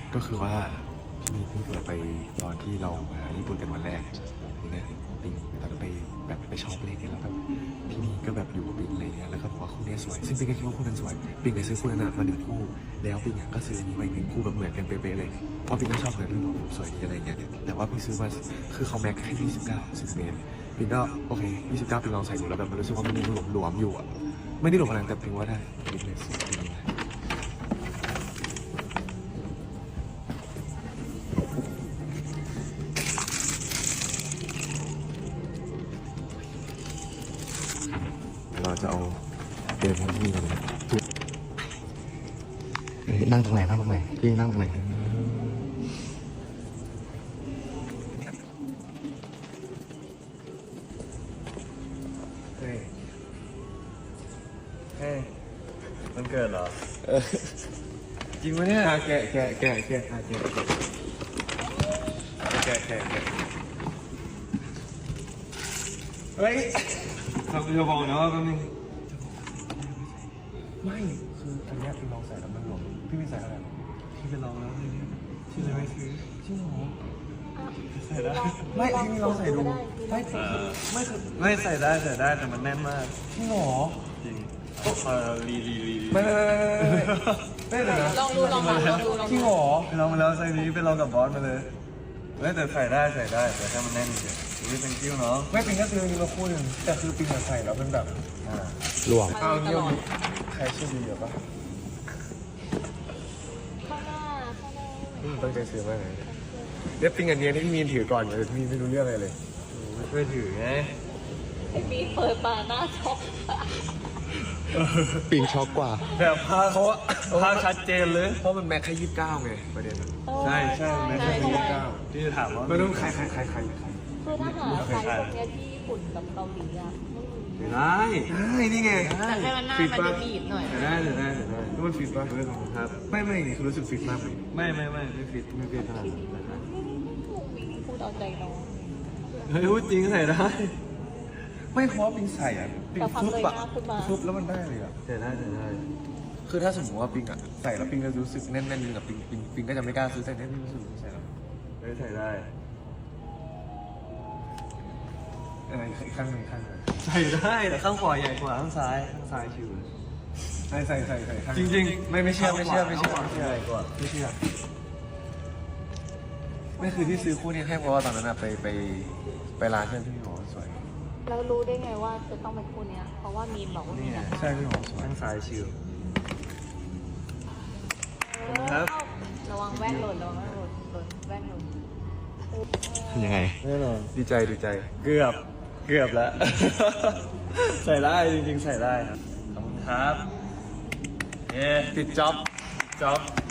ก็คือว่าพี่มีเพิ่งเปิดไปตอนที่เรามาญี่ปุ่นกันวันแรกนี่ไงปิงตอนนั้นไปแบบไปช็อปเลยเนี่ยแล้วแบบพี่นี่ก็แบบอยู่กับปิงอะไรเงี้ยแล้วก็บอกว่าคู่นี้สวยซึ่งปิงก็คิดว่าคู่นั้นสวยปิงไปซื้อคู่นั้นมา1 คู่แล้วปิงก็ซื้ออันนี้มา1 คู่แบบเหมือนกันเป๊ะๆเลยเพราะปิงก็ชอบเหมือนกันสวยดีอะไรเงี้ยแต่ว่าปิงซื้อมาคือเขาแม็กแค่29เซนติเมตรปิงก็โอเค29ปิงลองใส่ดูแล้วแบบมันรู้สึกว่ามันยังหลวมๆอยู่อ่ะไม่ได้หลวมขนาดแต่ปิงว่าได้ปิงเลยสวยดีเราจะเอาเดินที่นี่กันนั่งตรงไหนพี่นั่งตรงไหนเฮ้ยมันเกิดเหรอจริงไหมเนี่ยแกเฮ้ยทำจะบอกนะว่าแป๊บนึงไม่คืออันนี้พี่ลองใส่แล้วมันหลวมพี่ไม่ใส่อะไรพี่ไปลองแล้วเลยพี่เลยไม่ซื้อจริงเหรอใส่ได้ไม่พี่ไม่ลองใส่ดูไม่คือไม่ใส่ได้แต่มันแน่นมากจริงเหรอจริงรีไม่เลยนะลองดูจริงเหรอไปลองมาแล้วไซส์นี้ไปลองกับบอสมาเลยแต่ใส่ได้แต่ถ้ามันแน่นเฉยนี่เป็นคิ้วเนาะไม่ปิงก็ซื้อมาคู่หนึ่งแต่คือปิงใส่แล้วเป็นแบบหลวมเอาเงี้ยใครชื่อดีเหรอปะข้างหน้าตั้งใจซื้อมากเลยเดี๋ยวปิงอันนี้ที่พี่มีนถือก่อนเลยพี่ไม่รู้เรื่องอะไรเลยไม่ช่วยถือไงไอ้ปีเปิดมาหน้าช็อกปิงช็อกกว่าแบบภาพชัดเจนเลยเพราะมันแม็กแค่29ไงประเด็นใช่ไม่ใช่ใช่ที่จะถามว่าไม่รู้ใครคือถ้าหาไซส์พวกเนี้ยที่ญี่ปุ่นกับเกาหลีอะไม่ได้นี่ไงแต่ให้มันหน้ามันจะบีบหน่อยได้นี่มันฟิตป่ะครับไม่นี่คือรู้สึกฟิตมากเลยไม่ฟิตขนาดนั้นนะครับพูดเอาใจน้องเฮ้ยพูดจริงใส่ได้ไม่เพราะปิงใส่อ่ะปิงแต่ความฟุบเลยอ่ะหน้าขึ้นมาฟุบแล้วมันได้เลยอ่ะใส่ได้คือถ้าสมมติว่าปิงอ่ะใส่แล้วปิงจะรู้สึกแน่นๆกับปิงก็จะไม่กล้าซื้อแต่แน่นๆรู้สึกใส่แล้วใส่ได้อีกข้างหนึ่งใส่ได้แต่ข้างขวาใหญ่กว่าข้างซ้ายชิวเลยใส่ข้างจริงไม่เชื่อใหญ่กว่าไม่เชื่อไม่คือที่ซื้อคู่นี้ให้เพราะว่าตอนนั้นอะไปร้านเพื่อนพี่หมอสวยแล้วรู้ได้ไงว่าจะต้องเป็นคู่เนี้ยเพราะว่ามีนบอกว่ามีนะใช่พี่หมอสวยข้างซ้ายชิวครับระวังแว่นหล่นแว่นหล่นยังไงแน่นอนดีใจเกือบแล้ว ใส่ได้จริงๆใส่ได้ครับขอบคุณครับติดจ็อบจ๊อบ